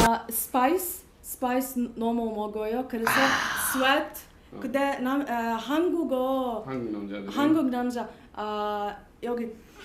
스파이스 너무 먹어요. 그래서 sweat. 근데 한국 남자 여기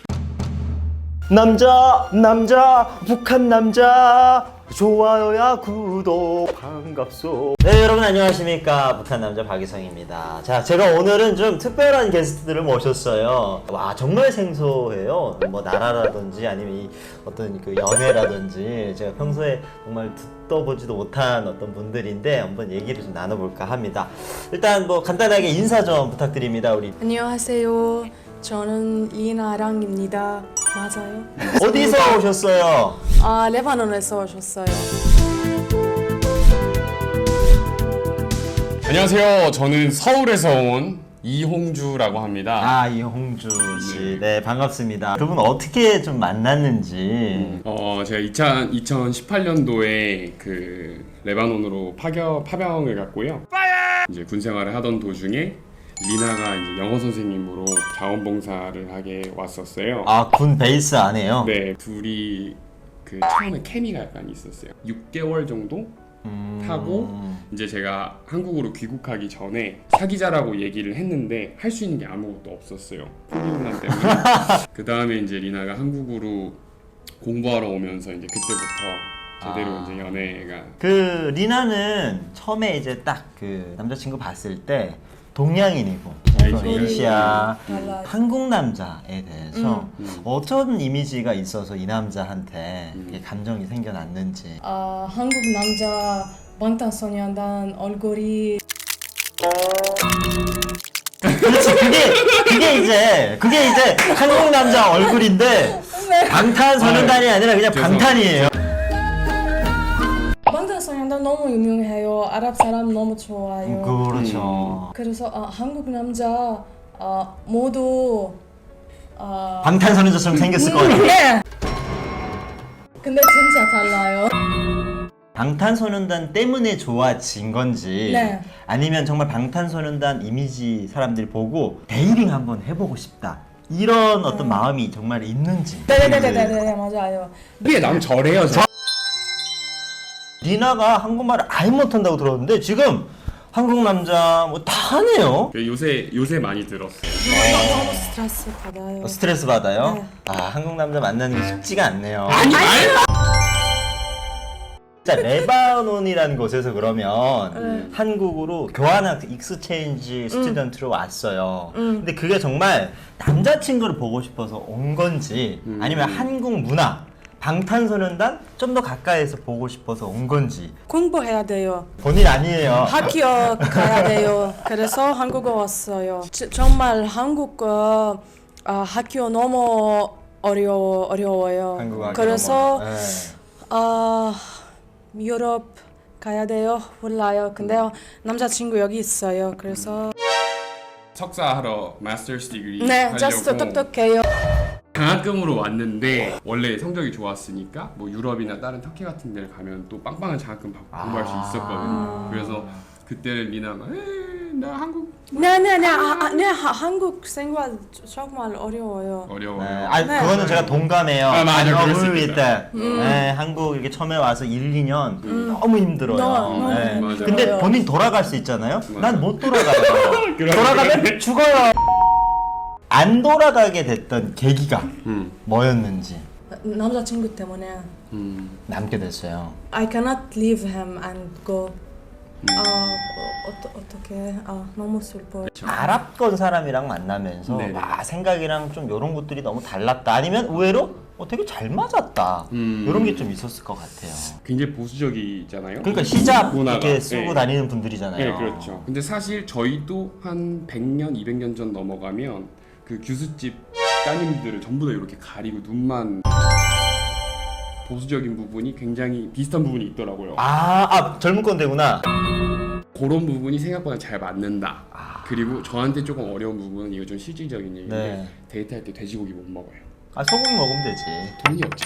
남자 북한 남자 좋아요야 구독 반갑소. 네, 여러분 안녕하십니까. 북한 남자 박이성입니다. 자, 제가 오늘은 좀 특별한 게스트들을 모셨어요. 와, 정말 생소해요. 뭐 나라라든지 아니면 이 어떤 그 연애라든지 제가 평소에 정말 듣도 보지도 못한 어떤 분들인데 한번 얘기를 좀 나눠볼까 합니다. 일단 뭐 간단하게 인사 좀 부탁드립니다. 우리 안녕하세요. 저는 리나랑입니다. 맞아요? 어디서 오셨어요? 레바논에서 오셨어요. 안녕하세요. 저는 서울에서 온 이홍주라고 합니다. 이홍주 씨. 네, 반갑습니다. 두 분 어떻게 좀 만났는지. 제가 2018년도에 그 레바논으로 파병을 갔고요. 이제 군 생활을 하던 도중에 리나가 이제 영어 선생님으로 자원봉사를 하게 왔었어요. 군 베이스 안에요? 네, 둘이 그 처음에 케미가 약간 있었어요. 6개월 정도 타고 이제 제가 한국으로 귀국하기 전에 사귀자라고 얘기를 했는데 할 수 있는 게 아무것도 없었어요. 코로나 때문에. 그 다음에 이제 리나가 한국으로 공부하러 오면서 이제 그때부터 제대로 이제 연애가. 그 리나는 처음에 이제 딱 그 남자친구 봤을 때 동양인이고 에이시아 한국 남자에 대해서 어떤 이미지가 있어서 이 남자한테 이렇게 감정이 생겨났는지. 한국 남자 방탄소년단 얼굴이 그렇지, 그게 이제 한국 남자 얼굴인데 방탄소년단이 아니라 그냥 방탄이에요. 방탄소년단 너무 유명해요. 아랍 사람 너무 좋아요. 그렇죠. 그래서 한국 남자 모두 방탄소년단처럼 생겼을 것 같아요. 네. 근데 진짜 달라요. 방탄소년단 때문에 좋아진 건지 네. 아니면 정말 방탄소년단 이미지 사람들이 보고 데이링 한번 해보고 싶다 이런 어떤 마음이 정말 있는지. 네네네네 맞아요. 그게 남 저래요. 리나가 한국말을 아예 못한다고 들었는데 지금 한국 남자 뭐 다 하네요. 요새 많이 들었어요. 너무 스트레스 받아요. 스트레스 받아요? 네. 한국 남자 만나는 게 쉽지가 않네요. 자, 레바논이라는 곳에서 그러면 한국으로 교환학 익스체인지 스튜던트로 왔어요. 근데 그게 정말 남자친구를 보고 싶어서 온 건지 아니면 한국 문화, 방탄소년단 좀 더 가까이서 보고 싶어서 온 건지. 공부해야 돼요. 본인 아니에요. 학교 가야 돼요. 그래서 한국어 왔어요. 정말 한국 학교 너무 어려워요. 한국 학교 그래서 너무, 유럽 가야 돼요. 몰라요. 근데 남자친구 여기 있어요. 그래서 석사하러 마스터스 디그리 네, 하려고 just 똑똑해요. 장학금으로 왔는데 원래 성적이 좋았으니까 뭐 유럽이나 다른 터키 같은 데를 가면 또 빵빵한 장학금 받고 공부할 수 있었거든요. 그래서 그때는 리나가 나 한국 네, 한국 생활 정말 어려워요. 어려워요. 네. 그거는 제가 동감해요. 맞아, 그럴 수 agree 있겠다. with that. 네, 한국 이렇게 처음에 와서 1, 2년 너무 힘들어요. 너무 네. 맞아. 근데 힘들어요. 본인 돌아갈 수 있잖아요. 맞아. 난 못 돌아가요. 그래. 돌아가면 죽어요. 안 돌아가게 됐던 계기가 뭐였는지 남자친구 때문에 남게 됐어요. I cannot leave him and go. 어떻게 너무 슬퍼요. 아랍권 사람이랑 만나면서 네네. 생각이랑 좀 이런 것들이 너무 달랐다. 아니면 의외로 되게 잘 맞았다. 이런 게 좀 있었을 것 같아요. 굉장히 보수적이잖아요. 그러니까 히잡 문화가. 이렇게 쓰고 네. 다니는 분들이잖아요. 네, 그렇죠. 근데 사실 저희도 한 100년, 200년 전 넘어가면 그 교수집 따님들을 전부 다 이렇게 가리고 눈만 보수적인 부분이 굉장히 비슷한 부분이 있더라고요. 젊은 꼰대구나. 그런 부분이 생각보다 잘 맞는다. 그리고 저한테 조금 어려운 부분은 이거 좀 실질적인 얘기인데 네. 데이트할 때 돼지고기 못 먹어요. 소고기 먹으면 되지. 돈이 없죠.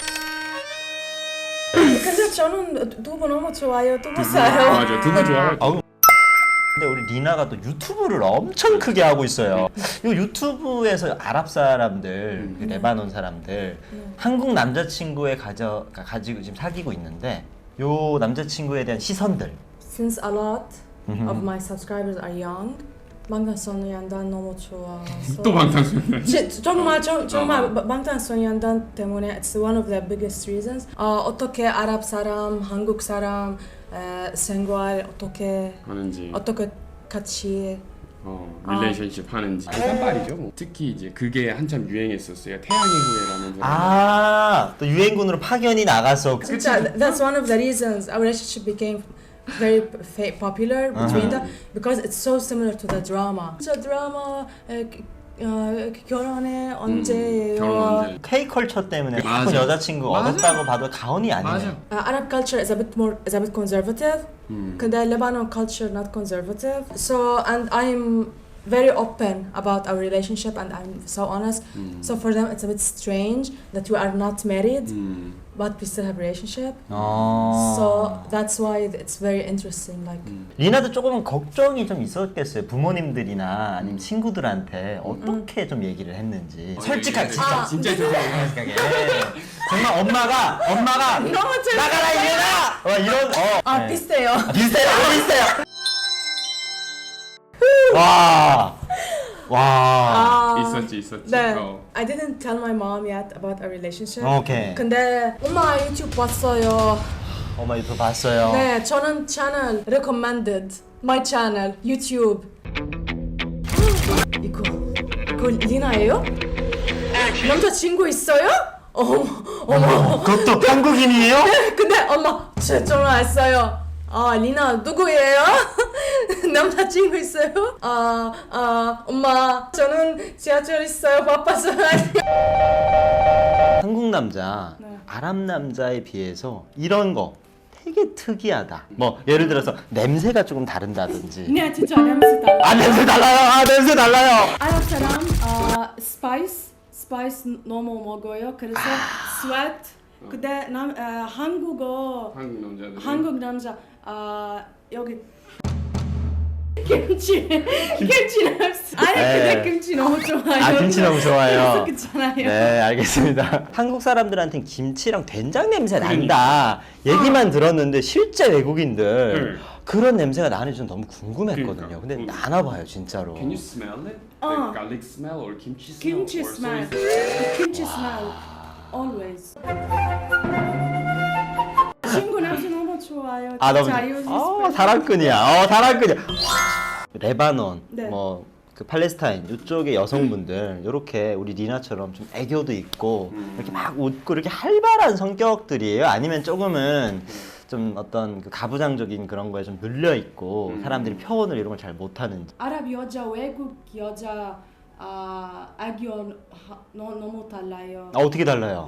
근데 저는 두부 너무 좋아요. 두부 싸요. 맞아, 두부 좋아요. 근데 우리 리나가 또 유튜브를 엄청 크게 하고 있어요. 이 유튜브에서 아랍 사람들, 그 레바논 사람들, 한국 남자친구에 가지고 지금 사귀고 있는데 요 남자친구에 대한 시선들. Since a lot of my subscribers are young, 방탄소년단 너무 좋아서 또 방탄소년단. 정말 방탄소년단 때문에 it's one of the biggest reasons. 어떻게 아랍 사람, 한국 사람 생활 어떻게 하는지. 같이 릴레이션십 하는지. 딴빨이죠. 뭐. 특히 이제 그게 한참 유행했었어요. 태양의 후예라는 드라마. 아, 또 유행군으로 파견이 나가서 진짜 that's one of the reasons our relationship became very popular between them because it's so similar to the drama. 진짜 드라마 결혼해 언제예요? 결혼 언제? K-컬처 때문에 맞아. 예쁜 여자친구 맞아. 얻었다고 봐도 과언이 아니네. 맞아. Arab culture is a bit conservative. 근데 Lebanon culture not conservative. So and I'm very open about our relationship and I'm so honest. So for them it's a bit strange that we are not married but we still have relationship. So that's why it's very interesting. Like 리나도 조금은 걱정이 좀 있었겠어요. 부모님들이나 아니면 친구들한테 어떻게 좀 얘기를 했는지. 솔직하게 진짜. 진짜 솔직하게. 정말 엄마가 나가라 이래라. 이런 네. 비슷해요. 비슷해요. 와. 있었지. 네. I didn't tell my mom yet about our relationship. 오케이. 근데 엄마 유튜브 봤어요. 엄마 유튜브 봤어요. 네, 저는 채널 recommended my channel YouTube. 이거 리나예요? 남자친구 있어요? 어머. 그것도 한국인이에요? 근데 엄마 전화했어요. 리나 누구예요? 남자친구 있어요? 엄마 저는 지하철 있어요. 바빠서. 한국 남자, 아랍 남자에 비해서 이런 거 되게 특이하다. 뭐 예를 들어서 냄새가 조금 다른다든지. 네, 진짜 냄새 달라. 냄새 달라요. 냄새 달라요. 아랍 사람 스파이스 너무 먹어요. 그래서 sweat. 근데 한국 남자 여기 김치 냄새. 근데 김치 너무 좋아요. 김치 너무 좋아요. 그렇잖아요. 네, 알겠습니다. 한국 사람들한테는 김치랑 된장 냄새 난다 얘기만 들었는데 실제 외국인들 그런 냄새가 나는지 좀 너무 궁금했거든요. 근데 나나 봐요, 진짜로. Can you smell it? The garlic smell or kimchi smell? Kimchi or smell. soy smell? Kimchi smell. Always. 친구 냄새 너무 좋아요. 너무 사랑꾼이야. 사랑꾼이야. 레바논, 네. 뭐 그 팔레스타인 이쪽의 여성분들 이렇게 우리 리나처럼 좀 애교도 있고 이렇게 막 웃고 이렇게 활발한 성격들이에요? 아니면 조금은 좀 어떤 그 가부장적인 그런 거에 좀 눌려 있고 사람들이 표현을 이런 걸 잘 못하는지. 아랍 여자, 외국 여자 애교 너무 달라요. 어떻게 달라요?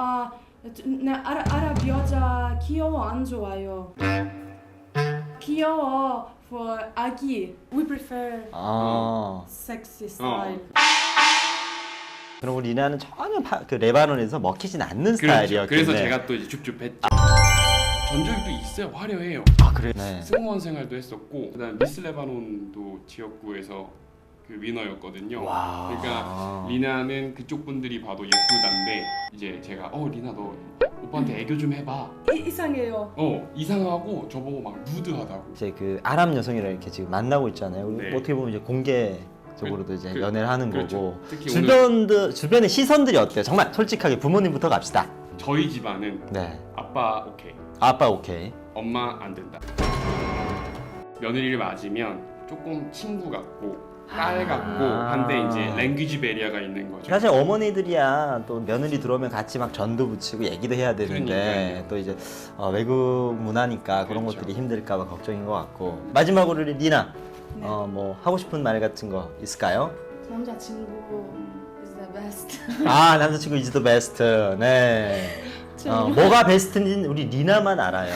아랍 여자 귀여워 안 좋아요. 귀여워 for 아기. We prefer sexy style. 그럼 우리 리나는 전혀 그 레바논에서 먹히진 않는 스타일이었겠네. 그래서 제가 또 이제 줍줍했죠. 전적이 또 있어요. 화려해요. 그래. 네. 승무원 생활도 했었고 그다음 미스 레바논도 지역구에서 그 위너였거든요. 와. 그러니까 리나는 그쪽 분들이 봐도 예쁘단데 이제 제가 리나 너 오빠한테 애교 좀 해봐. 이상해요. 이상하고 저보고 막 루드하다고. 이제 그 아랍 여성이랑 이렇게 지금 만나고 있잖아요. 네. 어떻게 보면 이제 공개적으로도 이제 연애를 하는 그렇죠. 거고. 특히 주변의 시선들이 어때요? 정말 솔직하게 부모님부터 갑시다. 저희 집안은 네. 아빠 오케이, 아빠 오케이. 엄마 안 된다. 며느리를 맞으면 조금 친구 같고 딸 같고 한데 이제 랭귀지 베리어가 있는 거죠. 사실 어머니들이야 또 며느리 들어오면 같이 막 전도 붙이고 얘기도 해야 되는데 그러니까요. 또 이제 외국 문화니까 그런 그렇죠. 것들이 힘들까봐 걱정인 것 같고. 마지막으로 리나 네. 뭐 하고 싶은 말 같은 거 있을까요? 남자친구 is the best. 남자친구 is the best. 네. 뭐가 베스트인지는 우리 리나만 알아요.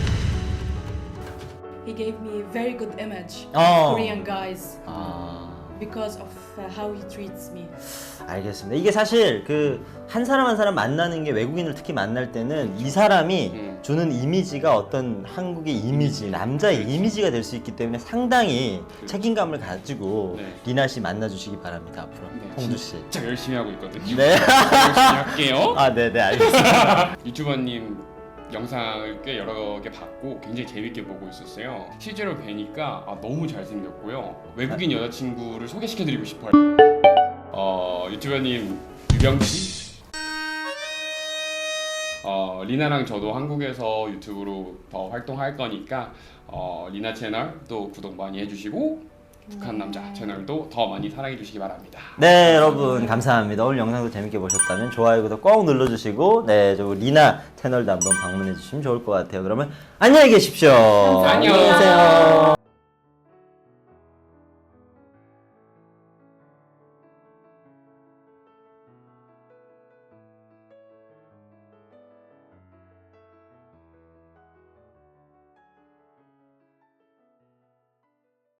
He gave me very good image. Korean guys. Because of how he treats me. 알겠습니다. 이게 사실 그 한 사람 한 사람 만나는 게 외국인을 특히 만날 때는 이 사람이 주는 이미지가 어떤 한국의 이미지, 남자의 이미지가 될 수 있기 때문에 상당히 책임감을 가지고 리나 씨 만나주시기 바랍니다. 앞으로 홍주 씨. 진짜 열심히 하고 있거든요. 네. 열심히 할게요. 네네 알겠습니다. 유튜버님 영상을 꽤 여러 개 봤고 굉장히 재밌게 보고 있었어요. 실제로 뵈니까 너무 잘생겼고요. 외국인 여자친구를 소개시켜드리고 싶어요. 유튜버님 유병치? 리나랑 저도 한국에서 유튜브로 더 활동할 거니까 리나 채널 또 구독 많이 해주시고 북한 남자 채널도 더 많이 사랑해 주시기 바랍니다. 네, 여러분 감사합니다. 오늘 영상도 재밌게 보셨다면 좋아요, 구독 꼭 눌러주시고 저 리나 채널도 한번 방문해 주시면 좋을 것 같아요. 그러면 안녕히 계십시오. 안녕. 안녕히 계세요.